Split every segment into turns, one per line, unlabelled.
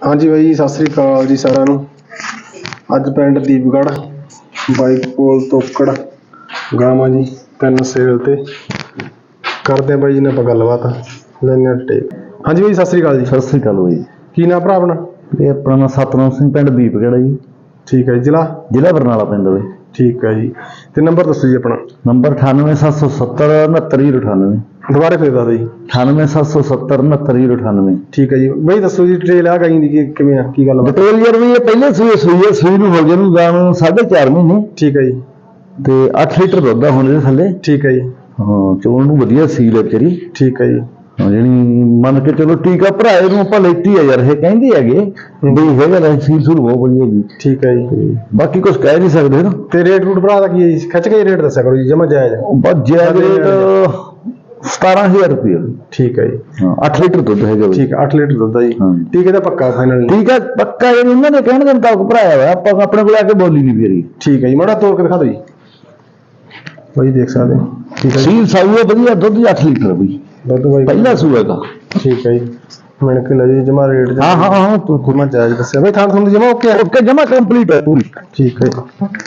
हाँ जी भाई सत श्री अकाल जी सारिਆਂ ਨੂੰ। ਅੱਜ ਪਿੰਡ ਦੀਪਗੜ੍ਹ ਬਾਈਕ ਕੋਲ ਤੋਕੜ ਗਾਵਾਂ ਜੀ 3 ਸੇਲ ਤੇ ਕਰਦੇ ਆ ਬਾਈ ਜੀ ਨੇ ਆਪਾਂ ਗੱਲਬਾਤ ਲੈਣੇ ਆ ਟੇਕ। हाँ जी भाई सत श्री अकाल जी।
सत श्री अकाल भाई।
की नाम भरा अपना?
ये अपना नाम सतनाम सिंह पिंड दीपगढ़ है जी।
ठीक है जी।
जिला बरनाला पिंड है।
ठीक है जी। तो नंबर दसो जी अपना।
नंबर 98 770 69 69।
दोबारा फिर दस जी।
98 770 69 98।
ठीक है जी भाई दसो जी डिटेल आ गई दी किवें आ की गल
डिटेल यार भी ये पहले सूई ਨੂੰ ਹੋ ਗਏ ਨੂੰ ਗਾਂ ਨੂੰ 4.5 ਮਹੀਨੇ।
ठीक है जी।
ਤੇ 8 ਲੀਟਰ ਦੁੱਧ ਆ ਹੁਣ ਇਹਦੇ ਥੱਲੇ।
ठीक है जी।
ਹਾਂ ਚੋਣ ਨੂੰ ਵਧੀਆ ਸੀਲ ਹੈ ਤੇਰੀ।
ठीक है जी।
ਜਿਹੜੀ ਮੰਨ ਕੇ ਚਲੋ ਟੀਕਾ ਭਰਾਏ ਨੂੰ ਆਪਾਂ ਲੈਤੀ ਆ ਯਾਰ ਇਹ ਕਹਿੰਦੇ ਹੈਗੇ ਵੀ ਹੈਗਾ ਲੈ ਸੀਲ ਸੂਲ ਬਹੁਤ ਵਧੀਆ ਜੀ।
ਠੀਕ ਹੈ ਜੀ।
ਬਾਕੀ ਕੁਝ ਕਹਿ ਨਹੀਂ ਸਕਦੇ ਨਾ।
ਤੇ ਰੇਟ ਰੂਟ ਭਰਾ ਦਾ ਕੀ ਹੈ ਜੀ? ਖਿੱਚ ਕੇ ਰੇਟ ਦੱਸਿਆ ਕਰੋ ਜੀ ਜਮਾ ਜਾਇਜ਼।
ਬਸ ਜਾਇਜ਼ ਰੇਟ 17000 रुपये।
ठीक है जी।
8 लीटर दुध है।
ठीक है 8 लीटर दुध है जी। ठीक है पक्का फाइनल? ठीक है
पक्का जी। उन्होंने कहने के मुताबिक भराया हुआ आप अपने को आके बोली नहीं फिर।
ठीक है जी माड़ा तोड़ के दिखा दो जी भाई देख सकते हैं। ठीक है
सील साई बढ़िया दुध 8 लीटर भाई
दुध भाई
पहला सूआ का।
ठीक है जी मैंने के लगे जमा रेट।
हाँ हाँ हाँ तो
जमा जायज दस्या भाई थान थुन जमा ओके
ओके जमा कंप्लीट है पूरी।
ठीक है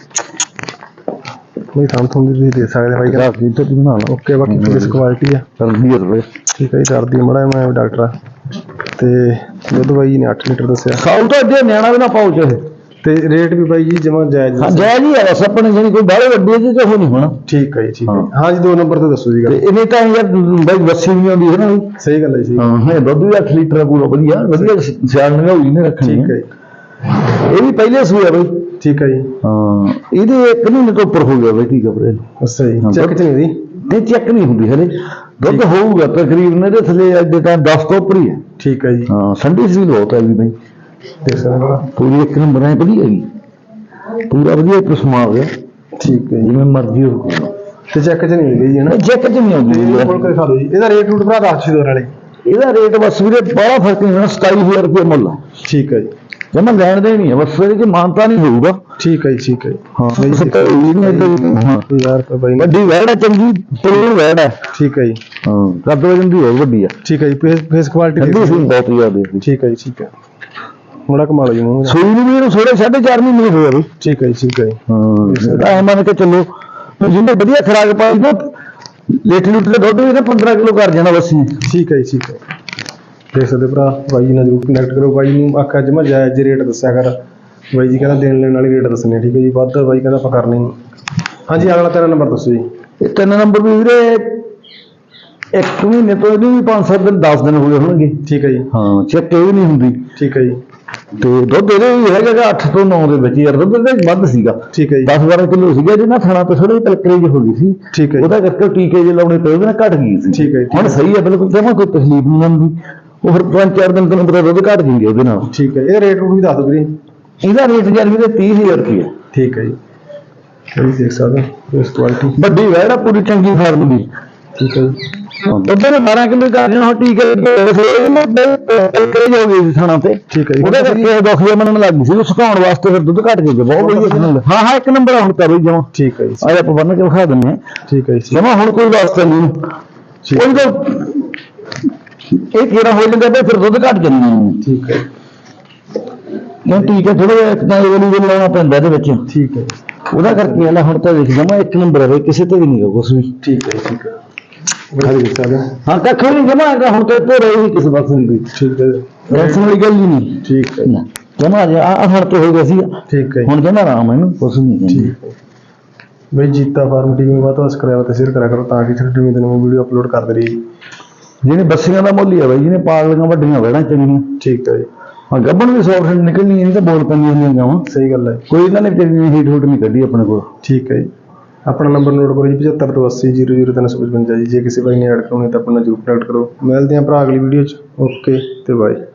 भाई थान थुन भी दे सकते भाई
ग्राफ की तो बना लो
ओके। बाकी किस क्वालिटी है
रुपए।
ठीक है जी कर दी मड़ा मैं डॉक्टर ते दुध भाई ने 8 लीटर दस्या।
साल तो अड्डे न्याणा भी ना पाओ चाहे
ते रेट भी भाई जी जमा जायज।
हाँ जायज ही है बस अपने जानी कोई बाहर वड्डी जी तो हो नहीं होना।
ठीक है जी। ठीक है हाँ जी 2 नंबर तो दसो जी गल।
इन्हें तो यार भाई बस्सी नहीं आती है ना भाई।
सही गल है जी।
हाँ है दुध भी 8 लीटर पूरा बढ़िया बढ़िया सियाल में हुई ने रखनी।
ठीक है
ये भी पहले सूया भाई।
ठीक है जी।
हाँ ये 1 महीने तो ऊपर हो गया भाई। ठीक है
अच्छा जी चेक च नहीं दी
नहीं चेक नहीं होंगी हले दुध होगा तकरीबन ये थले अज टाइम 10 तो ऊपर ही है।
ठीक है जी।
हाँ ठंडी सील बहुत है भाई
देख सकते
पूरी 1 नंबर है बढ़िया जी पूरा बढ़िया किस्म आ गया।
ठीक है
जिवें मर्जी हो
ਤੇ ਚੈੱਕ ਚ ਨਹੀਂ ਗਈ ਹੈ ਨਾ?
ਚੈੱਕ ਚ ਨਹੀਂ ਆਉਂਦੀ
ਇਹ ਕੋਲ ਕੇ ਦਿਖਾ ਦਿਓ ਜੀ। ਇਹਦਾ ਰੇਟ ਰੂਟ ਭਰਾ ਦੱਸ ਦਿਓ ਨਾਲੇ।
ਇਹਦਾ ਰੇਟ ਬਸ ਵੀਰੇ ਬੜਾ ਫਰਕ ਨਹੀਂ ਹੋਣਾ 27000 ਰੁਪਏ ਮੁੱਲ।
ਠੀਕ ਹੈ ਜੀ
ਜਮਾ ਲੈਣ ਦੇ ਨਹੀਂ ਹੈ ਬਸ ਇਹਦੇ ਚ ਮਾਨਤਾ ਨਹੀਂ ਹੋਊਗਾ।
ਠੀਕ ਹੈ ਜੀ। ਠੀਕ ਹੈ
ਹਾਂ ਯਾਰ ਭਾਈ ਵੱਡੀ ਵੈੜ ਹੈ ਚੰਗੀ ਪਲੇਨ ਵੈੜ ਹੈ। ਠੀਕ ਹੈ ਜੀ। ਹਾਂ ਕੱਦ ਵਜਨ ਦੀ ਬਹੁਤ ਵੱਡੀ ਹੈ। ਠੀਕ ਹੈ ਜੀ ਫੇਸ ਕੁਆਲਿਟੀ ਬਹੁਤ ਜ਼ਿਆਦਾ। ਠੀਕ ਹੈ ਜੀ। ਠੀਕ ਹੈ ਬੜਾ ਕਮਾਲ ਜੀ ਮੂੰਹ ਸੂਈ ਨੂੰ ਵੀ ਇਹਨੂੰ 4.5 ਮਹੀਨੇ ਹੋਏ ਬਈ। ਠੀਕ ਹੈ ਜੀ। ਠੀਕ ਹੈ ਹਾਂ ਤਾਂ ਮੰਨ ਕੇ ਚੱਲੋ ਜਿੰਨੇ ਵਧੀਆ ਖਰਾਕ ਪਾਈ ਨਾ ਲੀਟਰ ਲੀਟਰ ਦੁੱਧ ਵੀ 15 ਕਿਲੋ ਕਰ ਜਾਣਾ ਬਸ। ਠੀਕ ਹੈ ਜੀ। ਠੀਕ ਹੈ ਦੇਖ ਸਕਦੇ ਭਰਾ ਬਾਈ ਜੀ ਨਾਲ ਜ਼ਰੂਰ ਕਨੈਕਟ ਕਰੋ। ਬਾਈ ਨੂੰ ਆਖਿਆ ਜਮਾ ਜਾਇਜ਼ ਰੇਟ ਦੱਸਿਆ ਕਰ। ਬਾਈ ਜੀ ਕਹਿੰਦਾ ਦੇਣ ਲੈਣ ਵਾਲੀ ਰੇਟ ਦੱਸਣੇ। ਠੀਕ ਹੈ ਜੀ ਵੱਧ ਬਾਈ ਕਹਿੰਦਾ ਆਪਾਂ ਕਰਨੀ ਨਹੀਂ। ਹਾਂਜੀ ਅਗਲਾ 3 ਨੰਬਰ ਦੱਸੋ ਜੀ। ਇਹ 3 ਨੰਬਰ ਵੀ ਵੀਰੇ 1 ਮਹੀਨੇ ਤੋਂ ਇਹਨੂੰ ਵੀ 5-7 ਦਿਨ 10 ਦਿਨ ਹੋ ਗਏ ਹੋਣਗੇ।
ਠੀਕ ਹੈ ਜੀ।
ਹਾਂ ਚੈੱਕ ਇਹ ਵੀ ਨਹੀਂ ਹੁੰਦੀ। ਠੀਕ ਹੈ ਜੀ। ਤੇ ਦੁੱਧ ਇਹਦੇ ਵੀ ਹੈਗਾ 8 ਤੋਂ 9 ਦੇ ਵਿੱਚ ਯਾਰ ਦੁੱਧ ਤੇ ਵੱਧ ਸੀਗਾ। ਠੀਕ ਹੈ ਜੀ 10-12 ਕਿਲੋ ਸੀਗਾ ਜਿਹਨਾਂ ਥਾਣਾ ਤੇ ਥੋੜੀ ਕਲਕਰੀ ਜਿਹੀ ਹੋ ਗਈ ਸੀ। ਠੀਕ ਹੈ ਉਹਦਾ ਕਰਕੇ ਟੀਕੇ ਜੇ ਲਾਉਣੇ ਪਏ ਉਹਦੇ ਨਾਲ ਘਟ ਗਈ ਸੀ। ਠੀਕ ਹੈ ਹੁਣ ਸਹੀ ਹੈ ਬਿਲਕੁਲ ਜਮਾਂ ਕੋਈ ਤਕਲੀਫ ਨਹੀਂ ਆਉਂਦੀ। ਉਹ ਫਿਰ 5-4 ਦਿਨ ਤੋਂ ਪਤਾ ਦੁੱਧ ਘਟ ਜਾਂਗੇ ਉਹਦੇ ਨਾਲ। ਠੀਕ ਹੈ ਇਹਦਾ ਰੇਟ ਰੂਟ ਵੀ ਦੱਸ ਦਿਓ ਵੀਰੇ। ਇਹਦਾ ਰੇਟ ਯਾਰ ਵੀਰੇ 30000 ਰੁਪਏ। ਠੀਕ ਹੈ ਜੀ ਇਹ ਦੇਖ ਸਕਦੇ ਹੋ ਇਸ ਕੁਆਲਿਟੀ ਵੱਡੀ ਵੈੜ ਆ ਪੂਰੀ ਚੰਗੀ ਫਾਰਮ ਦੀ। ਠੀਕ ਹੈ ਜੀ ਦੁੱਧ ਨੇ 12 ਕਿਲੋ ਕਰ ਜਾਣਾ ਟੀਕੇ ਕਲਕਰੀ ਹੋ ਗਈ ਥਾਣਾ ਤੇ। ਠੀਕ ਹੈ ਉਹਦੇ ਕਰਕੇ ਦੁੱਖ ਜਿਹਾ ਮੈਨੂੰ ਲੱਗ ਸੀ ਸੁਕਾਉਣ ਵਾਸਤੇ ਫਿਰ ਦੁੱਧ ਘਟ ਗਿਆ ਬਹੁਤ ਵਧੀਆ। ਹਾਂ ਹਾਂ 1 ਨੰਬਰ ਹੁਣ ਕਰੋ ਜਮਾ। ਠੀਕ ਹੈ ਜੀ ਆਹ ਆਪਾਂ ਬੰਨ ਕੇ ਵਿਖਾ ਦਿੰਦੇ ਹਾਂ। ਠੀਕ ਹੈ ਜੀ ਜਮਾ ਹੁਣ ਕੋਈ ਵਾਸਤਾ ਨਹੀਂ ਕੋਈ ਤਾਂ ਇਹ ਕਿਹੜਾ ਹੋ ਜਾਂਦਾ ਫਿਰ ਦੁੱਧ ਘਟ ਜਾਂਦਾ। ਠੀਕ ਹੈ ਨਹੀਂ ਠੀਕ ਹੈ ਥੋੜਾ ਜਿਹਾ ਇੱਕ ਤਾਂ ਇਹ ਲਾਉਣਾ ਪੈਂਦਾ ਇਹਦੇ ਵਿੱਚ। ਠੀਕ ਹੈ ਉਹਦਾ ਕਰਕੇ ਇਹਦਾ ਹੁਣ ਤਾਂ ਦੇਖ ਜਮਾ 1 ਨੰਬਰ ਹੈ ਕਿਸੇ ਤੇ ਵੀ ਨਹੀਂ ਕੁਛ ਵੀ। ਠੀਕ ਹੈ ਠੀਕ ਹੈ ਹਾਂ ਕੱਖ ਨਹੀਂ ਜਮਾ ਹੁਣ ਤੇ ਭੋਰੇ ਹੀ ਕਿਸੇ ਪਾਸੇ ਨਹੀਂ। ਠੀਕ ਹੈ ਟੈਨਸ਼ਨ ਵਾਲੀ ਗੱਲ ਹੀ ਨਹੀਂ। ਠੀਕ ਹੈ ਜਮਾ ਆ ਹੁਣ ਤੇ ਹੋ ਗਿਆ ਸੀ। ਠੀਕ ਹੈ ਹੁਣ ਜਮਾ ਆਰਾਮ ਹੈ ਇਹਨੂੰ ਕੁਛ ਨਹੀਂ। ਠੀਕ ਹੈ ਬਈ ਜੀਤਾ ਫਾਰਮ ਟੀਵੀ ਨੂੰ ਵੱਧ ਤੋਂ ਸਬਸਕ੍ਰਾਈਬ ਤੇ ਸ਼ੇਅਰ ਕਰਿਆ ਕਰੋ ਤਾਂ ਕਿ ਛੋਟੀ ਜਿਹੀ ਨਵੀਂ ਵੀਡੀਓ ਅਪਲੋਡ ਕਰਦੇ ਰਹੀਏ। ਜਿਹਨੇ ਬੱਸੀਆਂ ਦਾ ਮੁੱਲ ਹੀ ਆ ਬਾਈ ਜਿਹਨੇ ਪਾਗਲੀਆਂ ਵੱਡੀਆਂ ਵੈੜਾਂ ਚੰਗੀਆਂ। ਠੀਕ ਹੈ ਜੀ ਹਾਂ ਗੱਬਣ ਵੀ 100% ਨਿਕਲਣੀ ਇਹਦੀ ਤਾਂ ਬੋਲ ਪੈਂਦੀਆਂ ਹੁੰਦੀਆਂ ਗਾਵਾਂ। ਸਹੀ ਗੱਲ ਹੈ ਕੋਈ ਇਹਨਾਂ ਨੇ ਤੇਰੀ ਹੀਟ ਹੂਟ ਨਹੀਂ ਕੱਢੀ ਆਪਣੇ ਕੋਲ। ਠੀਕ ਹੈ ਜੀ अपना नंबर नोट करो जी 75 तो 80 00 355 जी। जे किसी भाई ने ऐड करानी तो अपना जरूर कनेक्ट करो। मिलते हैं भरा अगली वीडियो च। ओके तो बाय।